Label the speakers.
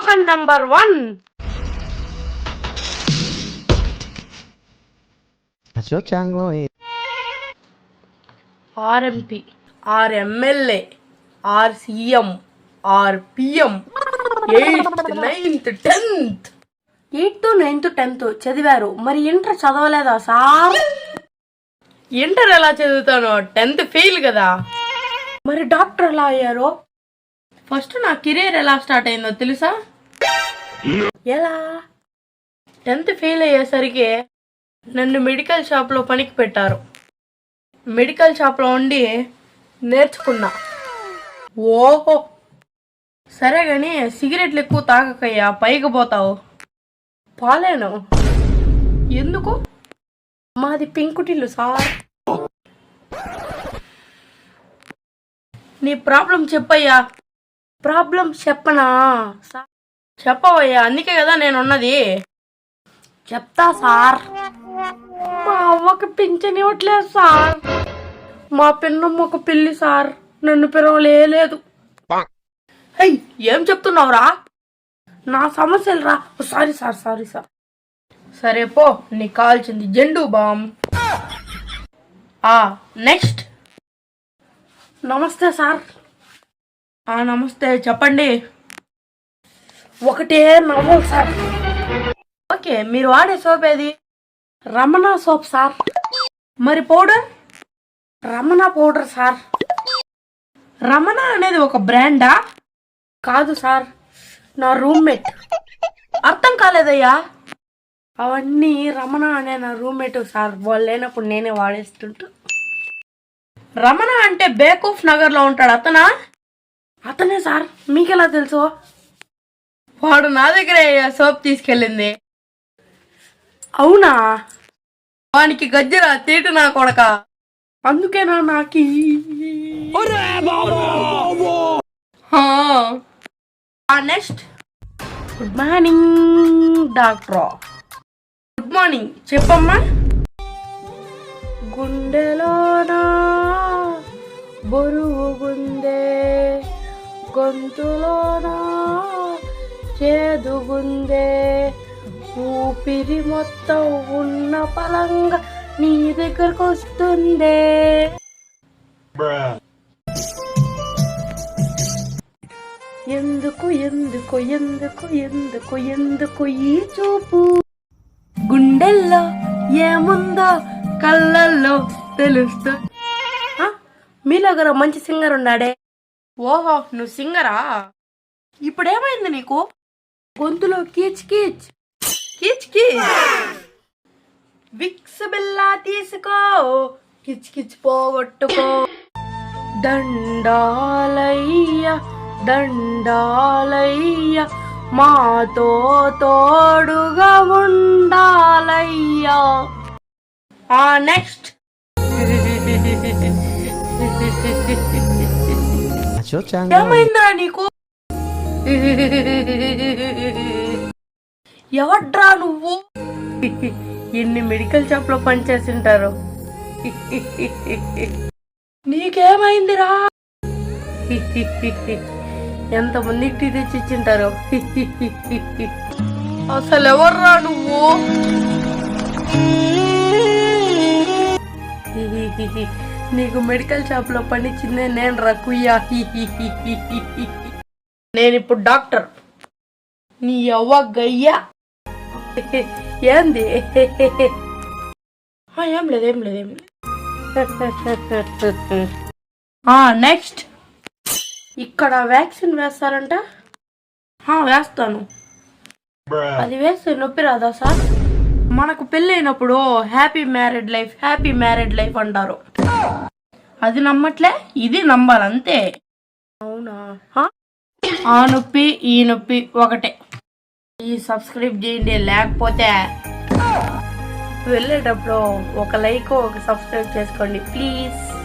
Speaker 1: Slogan number 1. RMP, RMLA, RCM, RPM, 8th, 9th, 10th. 8th, 9th, 10th చదివారు. మరి inter చదవలేదా sir? Inter ఎలా చదువుతాను? 10th fail కదా. మరి డాక్టర్ ఎలా అయ్యారో? ఫస్ట్ నా కెరీర్ ఎలా స్టార్ట్ అయిందో తెలుసా? ఎలా? 10th ఫెయిల్ అయ్యేసరికి నన్ను మెడికల్ షాప్లో పనికి పెట్టారు. మెడికల్ షాప్లో ఉండి నేర్చుకున్నా. ఓహో సరే గాని సిగరెట్లు ఎక్కువ తాగకయ్యా, పైకి పోతావు. పాలేను. ఎందుకు? మాది పెంకుటిల్లు సార్. నీ ప్రాబ్లం చెప్పయ్యా. ప్రాబ్లం చెప్పనా? చెప్పవయ్యా, అందుకే కదా నేనున్నది. చెప్తా సార్. మా అవ్వకి పింఛన్ ఇవ్వట్లేదు సార్. మా పిన్నమ్మకు పెళ్లి సార్, నన్ను పిలవలేదు. అయ్యి ఏం చెప్తున్నావురా? నా సమస్యలు రా. Sorry sir. సరే పో, నీకు కావాల్సింది జెండు బామ్. నెక్స్ట్. నమస్తే సార్. నమస్తే, చెప్పండి. ఒకటే నవ్వు సార్. ఓకే, మీరు వాడే సోప్ ఏది? Ramana soap sir. మరి powder? Ramana powder sir. Ramana అనేది ఒక బ్రాండా? కాదు సార్, నా రూమ్మేట్. అర్థం కాలేదయ్యా. అవన్నీ రమణ అనే నా రూమ్మేట్ సార్. వాళ్ళు లేనప్పుడు నేనే వాడేస్తుంటా. రమణ అంటే బేకూఫ్ నగర్ లో ఉంటాడు అతనా? అతనే సార్. మీకెలా తెలుసు? వాడు నా దగ్గరే సోప్ తీసుకెళ్ళింది. అవునా? వానికి గజ్జరా తీటు నా కొడక. అందుకేనా నాకి. Next. Good morning doctor. Good morning, చెప్పమ్మా. గుండెలోనా బరువుగుందే, గొంతులోనా చేదుగుందే, ఊపిరి మొత్తం ఉన్న పలంగా నీ దగ్గరకు వస్తుందే. ఎందుకు ఎందుకు ఎందుకు ఎందుకు ఎందుకు ఈ చూపు? గుండెల్లో ఏముందో కళ్ళల్లో తెలుస్తా. మీలో ఒకరు మంచి సింగర్ ఉన్నాడే. ఓహో, నువ్వు సింగరా? ఇప్పుడేమైంది నీకు? గొంతులో కీచ్ కీచ్ కీచ్ కీచ్. విక్స్ బిల్లా తీసుకో, కిచ్ కిచ్ పోగొట్టుకో. దండాలయ్య దండాలయ్య, మాతో తోడుగా ఉండాలయ్యా. నెక్స్ట్. ఏమైందా నీకు? ఎవడ్రా నువ్వు? ఎన్ని మెడికల్ షాప్ లో పనిచేసింటారు. నీకేమైందిరా? ఎంతమందికి టీ తెచ్చి ఇచ్చింటారు. అసలు ఎవర్రా నువ్వు? నీకు మెడికల్ షాప్ లో పనిచ్చిందే నేను రా కుయ్యా. నేనిప్పుడు డాక్టర్. నీ అవ్వ గయ్యా. ఏంది? ఏం లేదు. నెక్స్ట్. ఇక్కడ వ్యాక్సిన్ వేస్తారంట. వేస్తాను. అది వేస్తే నొప్పి రాదా సార్? మనకు పెళ్ళైనప్పుడు హ్యాపీ మ్యారీడ్ లైఫ్ అంటారు. అది నమ్మట్లే, ఇది నమ్మాలంతే. అవునా? ఆ నొప్పి ఈ నొప్పి ఒకటే. ఈ సబ్స్క్రైబ్ చేయండి, లేకపోతే వెళ్ళేటప్పుడు ఒక లైక్ ఒక సబ్స్క్రైబ్ చేసుకోండి ప్లీజ్.